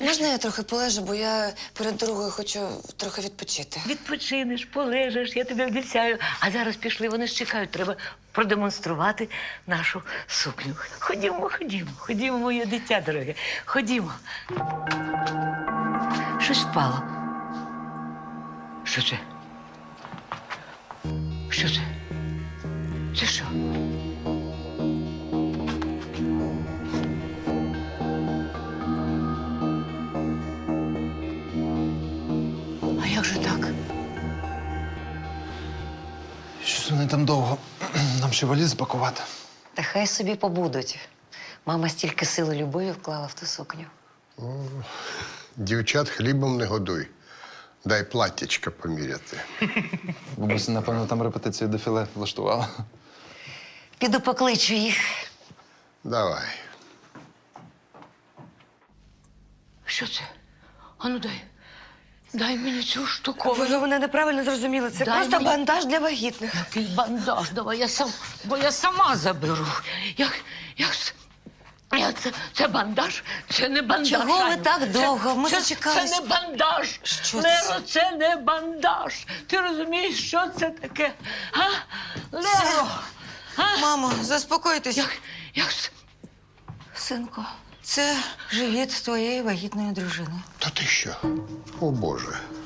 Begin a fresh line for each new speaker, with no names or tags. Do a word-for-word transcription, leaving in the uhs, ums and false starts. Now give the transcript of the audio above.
можна я трохи полежу, бо я перед дорогою хочу трохи відпочити.
Відпочинеш, полежиш, я тобі обіцяю. А зараз пішли, вони ж чекають, треба продемонструвати нашу сукню. Ходімо, ходімо, ходімо, моє дитя дороге, ходімо. Щось впало. Що це? Що це? Це що? А як же так?
Щось вони там довго. Нам ще валіз пакувати.
Та хай собі побудуть. Мама стільки сили і любові вклала в ту сукню.
Дівчат хлібом не годуй. Дай платтячка поміряти.
Бабуся, напевно, там репетицію дефіле влаштувала.
Піду покличу їх.
Давай.
Що це? Ану дай. Дай мені цю штуку.
Ви, ви мене неправильно зрозуміли. Це
Дай
просто
мені-
бандаж для вагітних.
Який бандаж, давай я сам, бо я сама заберу. Як, як, це- як це, це бандаж? Це не бандаж.
Чого ви
Аню.
так довго? Ми
це,
зачекались.
Це не бандаж.
Що
Леро, це не бандаж. Ти розумієш, що це таке? А? Леро! А?
Мамо, заспокойтесь.
Як, як це?
Синку, це живіт твоєї вагітної дружини.
Та ти що? О, Боже.